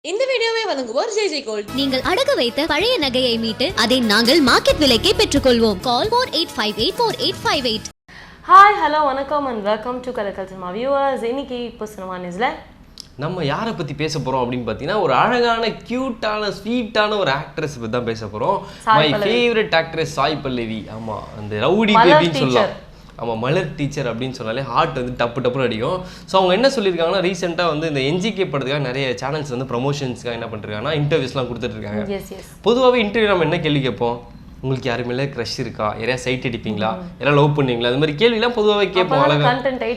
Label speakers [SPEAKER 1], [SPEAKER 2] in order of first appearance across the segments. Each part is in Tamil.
[SPEAKER 1] இந்த வீடியோவை வழங்குவோர் ஜெய் ஜெய் கோல்ட்.
[SPEAKER 2] நீங்கள் அடகு வைத்த பழைய நகையை மீட்டு அதை நாங்கள் மார்க்கெட் விலைக்கே பெற்றுக்கொள்வோம். கால் 48584858.
[SPEAKER 3] ஹாய் ஹலோ வணக்கம் and welcome to Kalakkal cinema viewers. இன்னைக்கு இப்போ சினிமா நியூஸ்ல
[SPEAKER 4] நம்ம யாரை பற்றி பேச போகிறோம் அப்படின்னு பார்த்தீங்கன்னா ஒரு அழகான க்யூட்டான ஸ்வீட்டான ஒரு ஆக்ட்ரஸ் பற்றி தான் பேச போகிறோம். My favourite actress Sai Pallavi. ஆமாம், அந்த ரவுடி பேபின்னு சொல்லலாம். ஆமாம், மலர் டீச்சர் அப்படின்னு சொன்னாலே ஹார்ட் வந்து டப்புன்னு அடிக்கும். ஸோ அவங்க என்ன சொல்லியிருக்காங்கன்னா, ரீசெண்டாக வந்து இந்த என்ஜிகே படத்துக்காக நிறைய சேனல்ஸ் வந்து ப்ரொமோஷன்ஸ்க்காக என்ன பண்ணிருக்காங்கன்னா இன்டர்வியூஸ்லாம் கொடுத்துட்ருக்காங்க. பொதுவாகவே இன்டர்வியூ நம்ம என்ன கேள்வி கேட்போம், உங்களுக்கு யாரு மேலே க்ரஷ் இருக்கா, யாரையா சைட் அடிப்பீங்களா, யாராவது லவ் பண்ணுவீங்களா, அது மாதிரி கேள்விலாம் பொதுவாகவே கேட்போம். அழகா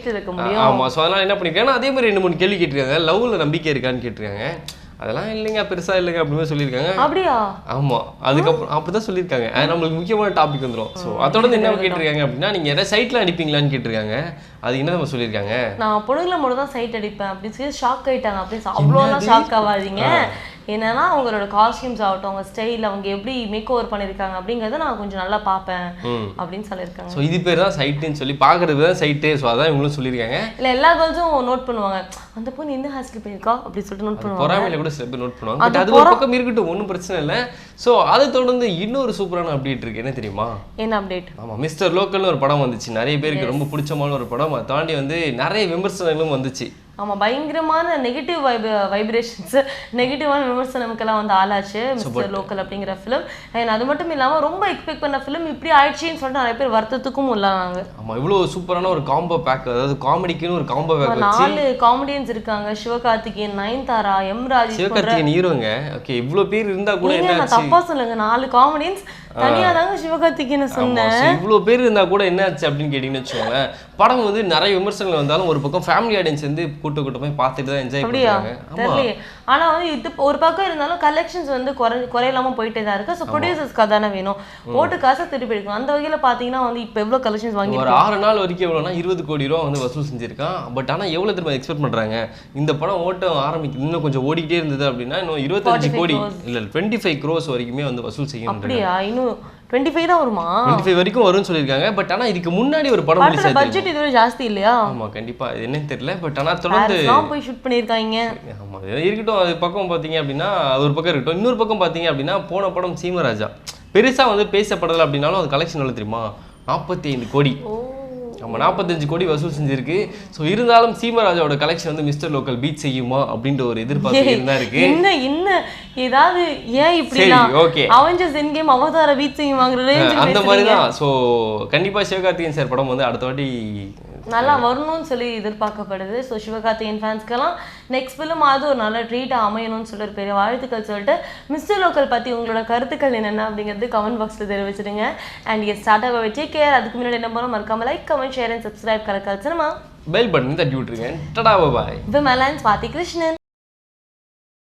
[SPEAKER 4] ஆமாம். ஸோ அதனால் என்ன பண்ணியிருக்காங்கன்னா அதே மாதிரி 2-3 கேள்வி கேட்டிருக்காங்க. லவ்வில் நம்பிக்கை இருக்கான்னு கேட்டிருக்காங்க. அதெல்லாம் இல்லைங்க, பெருசா இல்லைங்க அப்படின்னு சொல்லியிருக்காங்க. அப்படியா? ஆமா, அதுக்கப்புறம் அப்படிதான் சொல்லியிருக்காங்க. நம்மளுக்கு முக்கியமான டாபிக் வந்துடும். ஸோ அதோட என்ன கேட்டிருக்காங்க அப்படின்னா, நீங்க யாராவது சைட்ல அடிப்பீங்களான்னு கேட்டிருக்காங்க. அது என்ன நம்ம சொல்லியிருக்காங்க,
[SPEAKER 3] நான் பொண்ணுங்களை மட்டும் தான் சைட் அடிப்பேன் அப்படின்னு சொல்லி ஷாக் ஆயிட்டாங்க. அப்படின்னு அவ்வளோலாம் ஷாக் ஆகாதீங்க. என்னன்னா அவங்களோட காஸ்டியூம்ஸ் ஆகட்டும், அவங்க ஸ்டைல், அவங்க எப்படி மேக் ஓவர் பண்ணியிருக்காங்க அப்படிங்கிறத நான் கொஞ்சம் நல்லா பார்ப்பேன் அப்படின்னு சொல்லியிருக்காங்க.
[SPEAKER 4] ஸோ இது பேர் தான் சைட்டுன்னு சொல்லி பார்க்கறது தான் சைட்டு. ஸோ அதான் இவங்களும் சொல்லியிருக்காங்க.
[SPEAKER 3] இல்லை, எல்லா கேர்ள்ஸும் நோட் பண்ணுவாங்க, அந்த பொண்ணு என்ன ஹேர் ஸ்டைல் பண்ணியிருக்கா அப்படின்னு சொல்லிட்டு நோட் பண்ணுவாங்க.
[SPEAKER 4] பொறாமையில கூட சில பேர் நோட் பண்ணுவாங்க. பட் அது ஒரு பக்கம் இருக்கட்டும், ஒன்றும் பிரச்சனை இல்லை. ஸோ அதை தொடர்ந்து இன்னொரு சூப்பரான அப்டேட் இருக்கு. என்ன தெரியுமா?
[SPEAKER 3] என்ன அப்டேட்?
[SPEAKER 4] ஆமாம், மிஸ்டர் லோக்கல்னு ஒரு படம் வந்துச்சு. நிறைய பேருக்கு ரொம்ப பிடிச்சமான ஒரு படம். அதை தாண்டி வந்து நிறைய விமர்சனங்களும் வந்துச்சு.
[SPEAKER 3] ஆமாம், பயங்கரமான நெகட்டிவ் வைப்ரேஷன்ஸ், நெகட்டிவான விமர்சனம்க்கெல்லாம் வந்து ஆளாச்சு மிஸ்டர் லோக்கல் அப்படிங்கிற ஃபிலிம். அண்ட் அது மட்டும் இல்லாமல் ரொம்ப எக்ஸ்பெக்ட் பண்ண ஃபிலிம் இப்படி ஆயிடுச்சின்னு சொல்லிட்டு நிறைய பேர் வருத்தத்துக்கும் உள்ளாங்க.
[SPEAKER 4] ஆமாம், இவ்வளோ சூப்பரான ஒரு காம்போ பேக், அதாவது காமெடிக்குன்னு ஒரு காம்போ பேக்.
[SPEAKER 3] 4 காமெடியன்ஸ் இருக்காங்க. சிவகார்த்திகேயன், நயன்தாரா, எம் ராஜேஷ்.
[SPEAKER 4] சிவகார்த்திகேயன் ஹீரோங்க. ஓகே, இவ்வளோ பேர் இருந்தா கூட என்ன,
[SPEAKER 3] நான் தப்பா சொல்லுங்க, 4 காமெடியன்ஸ் தனியா தாங்க சிவகார்த்திகேயன் சொன்னேன்.
[SPEAKER 4] இவ்வளோ பேர் இருந்தா கூட என்ன ஆச்சு அப்படின்னு கேட்டீங்கன்னு வச்சுக்கோங்களேன். படம் வந்து நிறைய விமர்சனங்கள் வந்தாலும் ஒரு பக்கம் ஃபேமிலி ஆடியன்ஸ் வந்து கூட்டமே பார்த்துட்டு தான் என்ஜாய் பண்ணுறாங்க.
[SPEAKER 3] தெரியலையே. ஆனா வந்து இது ஒரு பக்கம் இருந்தாலும் கலெக்ஷன்ஸ் வந்து குறையில்லாம போயிட்டே தான் இருக்கு. ஸோ ப்ரொடியூசர்ஸ்க்கு தானே வேணும், போட்டு காசை திருப்பி எடுக்கணும். அந்த வகையில பாத்தீங்கன்னா வந்து இப்போ எவ்வளோ கலெக்ஷன்ஸ் வாங்கி
[SPEAKER 4] ஒரு 6 நாள் வரைக்கும் எவ்வளோனா 20 கோடி ரூபா வந்து வசூல் செஞ்சிருக்கான். பட் ஆனால் எவ்வளோ திரும்ப எக்ஸ்பெக்ட் பண்றாங்க, இந்த படம் ஓட்டம் ஆரம்பிக்குது இன்னும் கொஞ்சம் ஓடிக்கிட்டே இருந்தது அப்படின்னா இன்னும் 25 கோடி இல்லை 25 crores வரைக்குமே வந்து வசூல் செய்யணும்.
[SPEAKER 3] அப்படியா? இன்னும் 25 தான் வருமா?
[SPEAKER 4] 25 வரைக்கும் வரும்னு சொல்லியிருக்காங்க. பட் ஆனால் இதுக்கு முன்னாடி ஒரு படம் ரிலீஸ் ஆயிருக்கு.
[SPEAKER 3] பட்ஜெட் இதுவரை ஜாஸ்தி இல்லையா?
[SPEAKER 4] ஆமா, கண்டிப்பா. இது என்னன்னு தெரியல. பட் ஆனால் தொடர்ந்து
[SPEAKER 3] போய் ஷூட் பண்ணியிருக்காங்க.
[SPEAKER 4] ஆமா, இருக்கட்டும். அது பக்கம் பார்த்தீங்க அப்படின்னா ஒரு பக்கம் இருக்கட்டும். இன்னொரு பக்கம் பார்த்தீங்க அப்படின்னா போன படம் சீமராஜா பெருசா வந்து பேசப்படலை அப்படின்னாலும் அது கலெக்ஷன் எவ்வளோ தெரியுமா? 45 கோடி. நம்ம 45 கோடி வசூல் செஞ்சிருக்கு. ஸோ இருந்தாலும் சீமராஜாவோட கலெக்ஷன் வந்து மிஸ்டர் லோக்கல் பீட் செய்யுமா அப்படின்ற ஒரு எதிர்பார்ப்பு இருந்தா இருக்கு.
[SPEAKER 3] என்ன ஏதாவது ஏன் இப்படி
[SPEAKER 4] ஓகே
[SPEAKER 3] அவெஞ்சர்ஸ் எண்ட் கேம் அவதார பீட் செய்யுமாங்கற
[SPEAKER 4] அந்த மாதிரி தான். ஸோ கண்டிப்பா சிவகார்த்திகேயன் சார் படம் வந்து அடுத்த வாட்டி
[SPEAKER 3] நல்லா வரணும்னு சொல்லி எதிர்பார்க்கப்படுது. ஸோ சிவகார்த்திகேயன் ஃபேன்ஸ்க்கெல்லாம் நெக்ஸ்ட் ஃபிலிம் அது ஒரு நல்ல ட்ரீட்டாக அமையணும்னு சொல்லி ஒரு பெரிய வாழ்த்துக்கள் சொல்லிட்டு மிஸ்டர் லோக்கல் பற்றி உங்களோட கருத்துக்கள் என்னென்ன அப்படிங்கிறது கமெண்ட் பாக்ஸில் தெரிவிச்சிடுங்க. அண்ட் எஸ் ஸ்டார்ட் ஆக டேக் கேர். அதுக்கு முன்னாடி என்ன பண்ணணும், மறக்காம like, comment, share and subscribe Kalakkal cinema
[SPEAKER 4] bell button தட்டி விட்டுருங்க. டடா, பாய்.
[SPEAKER 3] இது மெலான் ஸ்வாதி கிருஷ்ணன்.